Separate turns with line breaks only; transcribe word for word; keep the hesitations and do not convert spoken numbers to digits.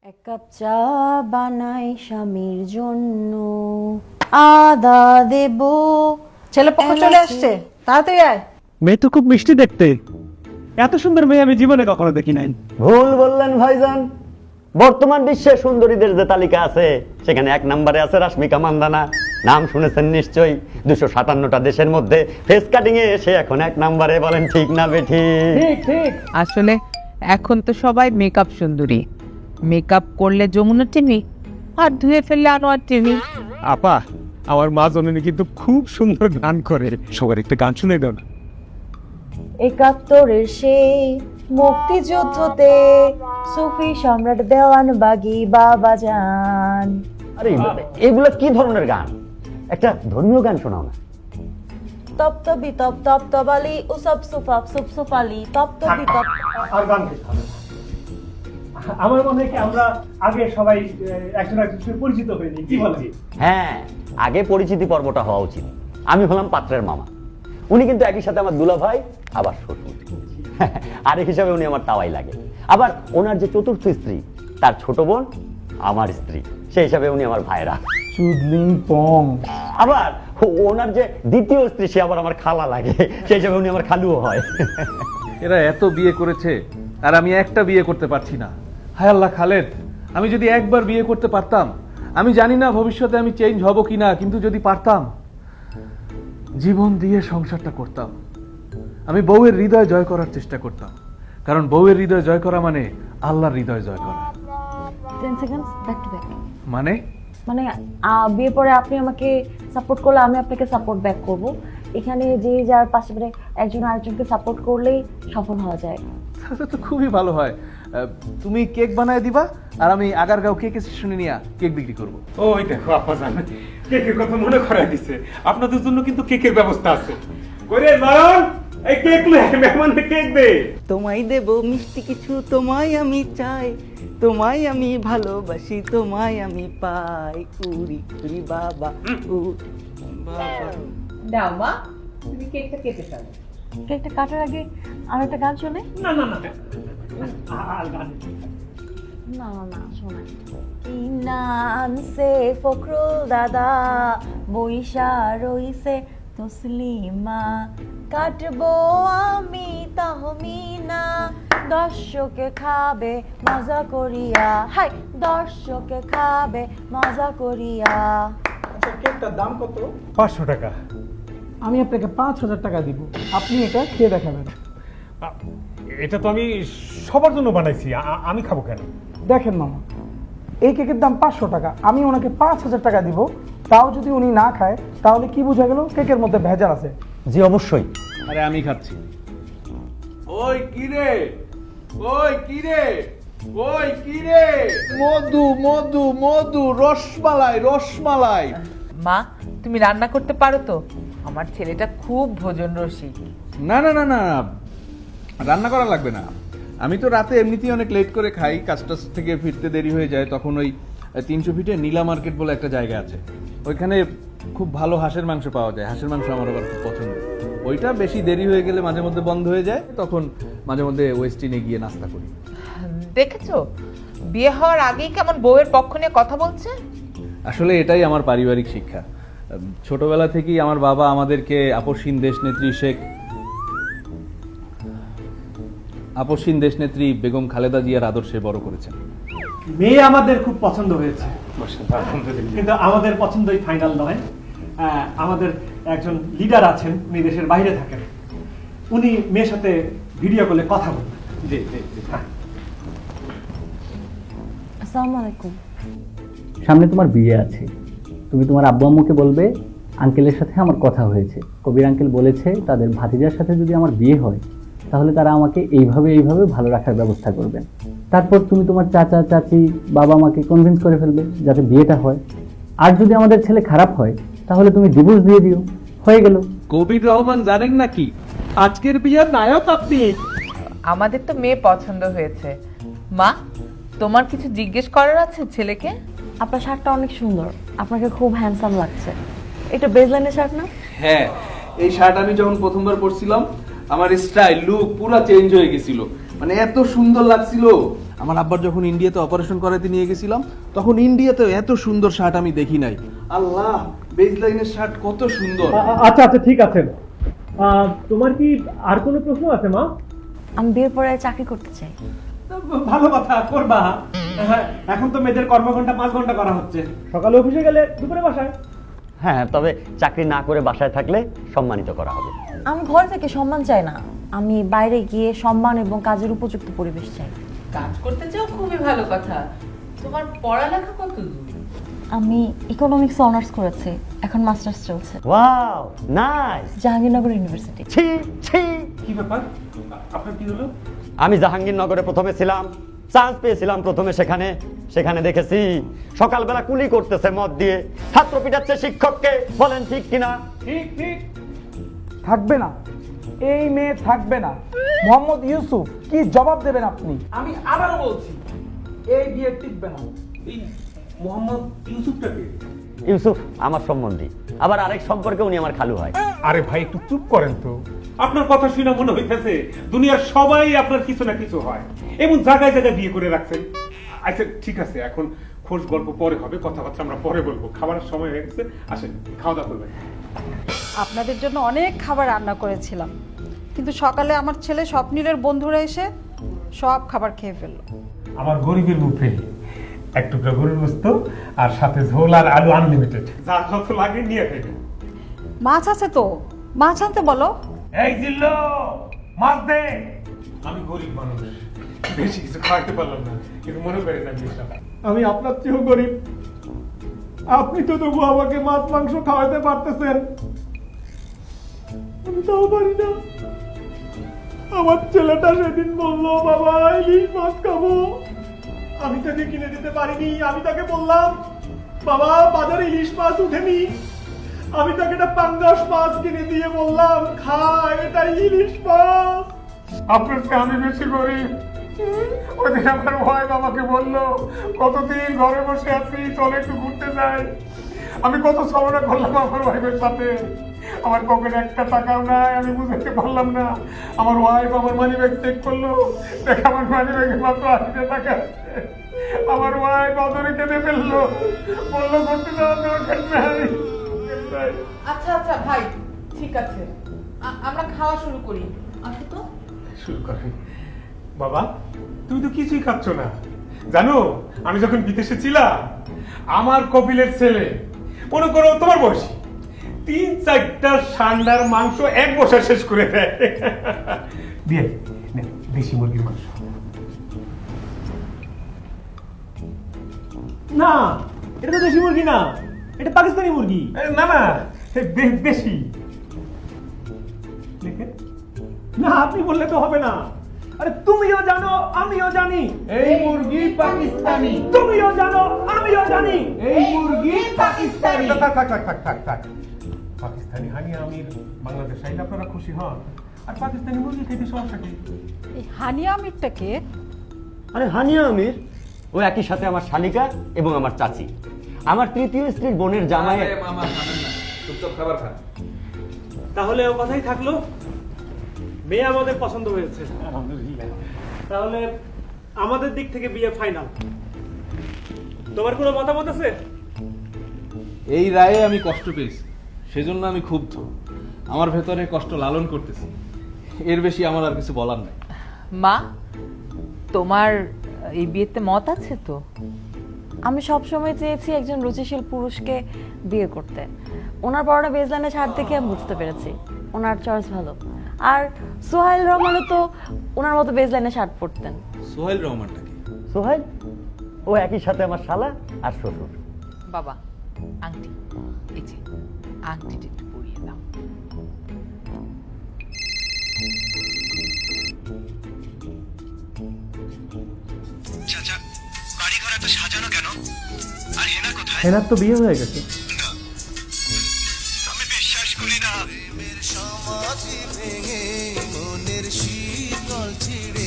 এক কাপ চা বানাই স্বামীর জন্য, আদা দেব।
ছেলে পক্ষ চলে আসছে, তাড়াতাড়ি আয়।
মেয়ে তো খুব মিষ্টি দেখতে, এত সুন্দর মেয়ে আমি জীবনে কখনো দেখি নাই।
ভুল বললেন ভাইজান, বর্তমান বিশ্বে সুন্দরীদের যে তালিকা আছে সেখানে এক নম্বরে আছে রাশ্মিকা মান্দানা। নাম শুনেছেন নিশ্চয়ই। দুশো সাতান্নটা দেশের মধ্যে ফেস কাটিং এ সে এখন এক নম্বরে। বলেন ঠিক না বেঠি?
ঠিক ঠিক।
আসলে এখন তো সবাই মেকআপ সুন্দরী, মেকআপ করলে যমুনা টিভি আর ধুয়ে ফেললে আনোয়ার টিভি।
আপা, আমার মা জননী কিন্তু খুব সুন্দর গান করে, সবার একটা গান শুনে দাও না।
একাত্তরের সেই মুক্তিযুদ্ধতে সুফি সম্রাট দেওয়ান বাগি বাবা যান।
আরে এগুলো কি ধরনের গান? একটা ধর্মীয় গান শোনাও না।
তপ্তবি তপ তপ্তবালি উসব সুফাপ সুপ সুফালি তপ্তবি তপ।
আর গান গাইতে হবে না। আমার মনে হয় কি আমরা আগে সবাই একজন একজনের পরিচিত হইনি, কি বলেন?
হ্যাঁ, আগে পরিচিতি পর্বটা হওয়া উচিত। আমি হলাম পাত্রের মামা, উনি কিন্তু একই সাথে আমার দুলা ভাই আবার শ্বশুর। আরেক হিসাবে উনি আমার তাওয়াই লাগে। আবার ওনার যে চতুর্থ স্ত্রী, তার ছোট বোন আমার স্ত্রী, সেই হিসাবে উনি আমার ভাইরা।
চুদলিং পং।
আবার ওনার যে দ্বিতীয় স্ত্রী, সে আবার আমার খালা লাগে, সেই হিসাবে উনি আমার খালুও হয়।
এরা এত বিয়ে করেছে আর আমি একটা বিয়ে করতে পারছি না। হায় আল্লাহ খালেদ, আমি যদি একবার বিয়ে করতে পারতাম, আমি জানি না ভবিষ্যতে আমি চেঞ্জ হব কিনা, কিন্তু যদি পারতাম জীবন দিয়ে সংসারটা করতাম। আমি বউয়ের হৃদয় জয় করার চেষ্টা করতাম, কারণ বউয়ের হৃদয় জয় করা মানে আল্লাহর হৃদয় জয় করা।
Ten seconds back to back.
মানে
মানে আহ, বিয়ের পরে আপনি আমাকে সাপোর্ট করলে আমি আপনাকে সাপোর্ট ব্যাক করব। এখানে যে যার পাশে মানে একজন আরেকজনকে সাপোর্ট করলেই সফল হওয়া যায়।
তাহলে তো খুবই ভালো হয়। আহ, তুমি কেক বানায় দিবা আর আমি আগারগাঁও কেক স্টেশনে নিয়ে কেক বিক্রি করবো।
ওই দেখো আপা জান, কেকের কথা মনে করাই দিছে। আপনাদের জন্য কিন্তু কেকের ব্যবস্থা আছে। কইরে নয়ন, এই কেক লে, মেহমানকে কেক দে।
তোমায় দেব মিষ্টি কিছু, তোমায় আমি চাই, তোমায় আমি ভালোবাসি, তোমায় আমি পাই। উরি উরি বাবা উ বাবা।
দাও মা, তুমি কেকটা কেটে ফেলো।
কেকটা কাটার আগে আর একটা গান শোনে।
না না না, আর গান
না না না শোনাই। কি নাম সে ফখরুল দাদা, বইসা রইছে তসলিমা, কাটবো আমি তাহমিনা, দর্শকে খাবে মজা করিয়া, হাই দর্শকে খাবে মজা করিয়া।
কেকটার দাম কত? পাঁচশো টাকা।
আমি আপনাকে পাঁচ হাজার টাকা দিব, আপনি এটা খেয়ে দেখাবেন।
এটা তো আমি সবার জন্য বানাইছি, আ- আমি খাবো কেন?
দেখেন মামা, এই কেকের দাম পাঁচশো টাকা, আমি ওনাকে পাঁচ হাজার টাকা দিব, তাও যদি উনি না খায় তাহলে কি বোঝা গেল কেকের মধ্যে ভেজাল আছে।
জি অবশ্যই।
আরে আমি খাচ্ছি। ওই কি রে, ওই কি রে, ওই কি রে, মধু মধু মধু, রসমালাই রসমালাই।
মা, তুমি রান্না করতে পারো তো? আমার ছেলেটা খুব ভোজন রসিক।
না না না না, রান্না করা লাগবে না। আমি তো রাতে এমনিতেই অনেক লেট করে খাই, কাজ টাজ থেকে ফিরতে দেরি হয়ে যায়। তখন ওই তিনশো ফিটে নীলা মার্কেট বলে একটা জায়গা আছে, ওইখানে খুব ভালো হাঁসের মাংস পাওয়া যায়। হাঁসের মাংস আমার আবার খুব পছন্দ। ওইটা বেশি দেরি হয়ে গেলে মাঝে মধ্যে বন্ধ হয়ে যায়, তখন মাঝে মধ্যে ওয়েস্টিনে গিয়ে নাস্তা করি।
দেখেছো বিয়ে হওয়ার আগেই কেমন বউয়ের পক্ষ নিয়ে কথা বলছে।
আসলে এটাই আমার পারিবারিক শিক্ষা। ছোটবেলা থেকেই আমার বাবা আমাদেরকে আপসহীন দেশনেত্রী শেখ আপসহীন দেশনেত্রী বেগম খালেদা জিয়ার আদর্শে বড় করেছেন।
মেয়ে আমাদের খুব পছন্দ হয়েছে, কিন্তু আমাদের পছন্দই ফাইনাল নয়। আহ, আমাদের একজন লিডার আছেন, উনি দেশের বাইরে থাকেন, উনি মেয়ের সাথে ভিডিও কলে কথা বলবেন। জি জি জি, হ্যাঁ।
আসসালামু আলাইকুম।
সামনে তোমার বিয়ে আছে, তুমি তোমার আব্বু আম্মুকে বলবে আঙ্কেলের সাথে আমার কথা হয়েছে, কবির আঙ্কেল বলেছে তাদের ভাতিজার সাথে যদি আমার বিয়ে হয় তাহলে তারা আমাকে এইভাবে এইভাবে ভালো রাখার ব্যবস্থা করবেন। তারপর তুমি তোমার চাচা চাচি বাবা মাকে কনভিন্স করে ফেলবে যাতে বিয়েটা হয়। আর যদি আমাদের ছেলে খারাপ হয় তাহলে তুমি ডিভোর্স দিয়ে দিও, হয়ে গেল।
কবির রহমান জানেন নাকি আজকের বিয়ের নায়ক আপনি।
আমাদের তো মেয়ে পছন্দ হয়েছে। মা, তোমার কিছু জিজ্ঞেস করার আছে ছেলেকে?
আপনার শার্টটা অনেক সুন্দর, আপনাকে খুব হ্যান্ডসাম লাগছে। এটা বেজলাইনের শার্ট না?
হ্যাঁ, এই শার্ট আমি যখন প্রথমবার পরছিলাম আমার স্টাইল লুক পুরো চেঞ্জ হয়ে গেছিল, মানে এত সুন্দর লাগছিল। আমার আব্বার যখন ইন্ডিয়াতে অপারেশন করাতে নিয়ে গেছিলাম তখন ইন্ডিয়াতে এত সুন্দর শার্ট আমি দেখি নাই। আল্লাহ, বেজলাইনের শার্ট কত সুন্দর।
আচ্ছা আচ্ছা ঠিক আছে। তোমার কি আর কোনো প্রশ্ন আছে মা?
আমি বিয়ের পরে চাকরি করতে চাই।
ভালো কথা, করবা। হ্যাঁ, এখন তো মেয়েদের কর্মঘন্টা পাঁচ ঘন্টা করা হচ্ছে, সকালে অফিসে গেলে দুপুরে বাসায়।
হ্যাঁ, তবে চাকরি না করে বাসায় থাকলে সম্মানিত করা হবে।
আমি ঘর থেকে সম্মান চাই না, আমি বাইরে গিয়ে সম্মান এবং কাজের উপযুক্ত পরিবেশ চাই।
কাজ করতে চাও, খুবই ভালো কথা। তোমার পড়ালেখা কত দূর?
আমি ইকোনমিক্স অনার্স করেছি, এখন মাস্টার্স চলছে
ওয়াও, নাইস।
জাহাঙ্গীরনগর ইউনিভার্সিটি।
ছি ছি।
কি ব্যাপার, আপনার কি হলো?
আমি জাহাঙ্গীরনগরে প্রথমে ছিলাম, চান্স পেয়েছিলাম প্রথমে সেখানে সেখানে দেখেছি সকালবেলা কুলি করতেছে মদ দিয়ে, ছাত্র পিটাচ্ছে শিক্ষককে। বলেন ঠিক কিনা?
ঠিক ঠিক।
থাকবে না, এই মেয়ে থাকবে না। মোহাম্মদ ইউসুফ, কি জবাব দেবেন আপনি? আমি আবারও বলছি, এই বিয়ে টিকবে না।
এই মোহাম্মদ ইউসুফটাকে?
ইউসুফ আমার সম্বন্ধী, আবার আরেক সম্পর্কে উনি আমার খালু হয়।
আরে ভাই একটু চুপ করেন তো। আপনার কথা শুনে মনে হইতেছে দুনিয়ার সবাই আপনার কিছু না কিছু হয়, এমন জায়গায় জায়গায় বিয়ে করে রাখছেন। আচ্ছা ঠিক আছে, এখন খোঁজ গল্প পরে হবে, কথাবার্তা আমরা পরে বলবো, খাবারের সময় হয়ে গেছে। আসেন খাওয়া দাওয়া করবেন।
আপনাদের জন্য অনেক খাবার রান্না করেছিলাম, কিন্তু সকালে আমার ছেলে স্বপ্নীলের বন্ধুরা এসে সব খাবার খেয়ে ফেললো।
আমার গরিবের মুখে এক টুকরা গরুর গোস্ত আর সাথে ঝোল আর আলু আনলিমিটেড, যা যত লাগে নিয়ে ফেলবেন।
মাছ আছে তো, মাছ আনতে বলো।
এই জিল্লো, মাছ দে। আমি গরিব মানুষ, বেশি কিছু খাওয়াতে পারলাম না, কিন্তু মনে করে না বিষয় আমি আপনার চেয়েও গরিব। আপনি তো তবু আমাকে মাছ মাংস খাওয়াতে পারতেছেন, আমি তাও পারি না। আমার ছেলেটা সেদিন বললো বাবা ইলিশ মাছ খাবো, আমি তাকে কিনে দিতে পারিনি। আমি তাকে বললাম বাবা বাজারে ইলিশ মাছ উঠেনি, আমি তাকে একটা পাঙ্গাস মাছ কিনে দিয়ে বললাম খা, এটা ইলিশ মাছ। আপনার চেয়ে আমি বেশি গরিব। ওদিন আমার ভাই আমাকে বললো কতদিন ঘরে বসে আছি, চলে একটু ঘুরতে যাই। আমি কত ছলনা করলাম আমার ওয়াইফের সাথে, আমার পকেটে একটা টাকাও নাই, আমি বুঝতে পারলাম না। আমার ওয়াইফ আমার মানি ব্যাগ চেক করলো, দেখ আমার মানি ব্যাগে মাত্র আশি টাকা আছে। আমার ওয়াইফ অদরে কেঁদে ফেললো, বললো ঘুরতে যাওয়ার দরকার নাই।
আচ্ছা আচ্ছা ভাই, ঠিক আছে, আ- আমরা খাওয়া শুরু করি। আসো তো।
শুরু করে বাবা, তুমি তো কিছুই খাচ্ছ না। জানো আমি যখন বিদেশে ছিলাম, আমার কপিলের ছেলে মনে করো তোমার বয়সী, তিন চারটা সান্ডার মাংস এক বছর শেষ করে দেয়। দিয়ে নে, দেশি মুরগির মাংস। না এটা তো দেশি মুরগি না, এটা পাকিস্তানি মুরগি। না না দেশি। দেখে না, আপনি বললে তো হবে না। আরে তুমিও জানো আমিও জানি এই মুরগি পাকিস্তানি, তুমিও জানো আমিও জানি এই মুরগি পাকিস্তানি। থাক থাক থাক থাক থাক থাক। পাকিস্তানি হানিয়া আমির বাংলাদেশ আইলে আপনারা খুশি হন, আর পাকিস্তানি মুরগি খেতে সমস্যা কি?
এই হানিয়া আমিরটা কে?
আরে হানিয়া আমির ও একই সাথে আমার শালিকা এবং আমার চাচি, আমার তৃতীয় স্ত্রীর বোনের জামাই।
মামা খাবেন না, চুপচাপ খাবার খান।
তাহলে ও কথাই থাকলো, মেয়ে আমাদের পছন্দ হয়েছে, তাহলে আমাদের দিক থেকে বিয়ে ফাইনাল। তোমার কোনো মতামত আছে?
এই রায়ে আমি কষ্ট পেয়েছি, সেজন্য আমি ক্ষুব্ধ। আমার ভেতরে কষ্ট লালন করতেছি, এর বেশি আমার আর কিছু বলার নাই।
মা, তোমার এই বিয়েতে মত আছে তো?
আমি সবসময় চেয়েছি একজন রুচিশীল পুরুষকে বিয়ে করতে। ওনার পরনে বেজলাইনে শার্ট দেখে আমি বুঝতে পেরেছি ওনার চয়েস ভালো। আর সোহাইল রহমানও তো ওনার মতো বেজলাইনে শার্ট পরতেন।
সোহেল রহমানটা কি?
সোহেল ও একই সাথে আমার শালা আর শ্বশুর।
বাবা, আংটি, এই যে আংটিটা একটু পরিয়ে দাও।
চাচা, বাড়ি ঘর এত সাজানো কেন? আর হেনা কোথায়?
হেনার তো বিয়ে হয়ে গেছে।
আমি বিশ্বাস করি না। সমাধি ভেঙে মনের শীতল ছিড়ে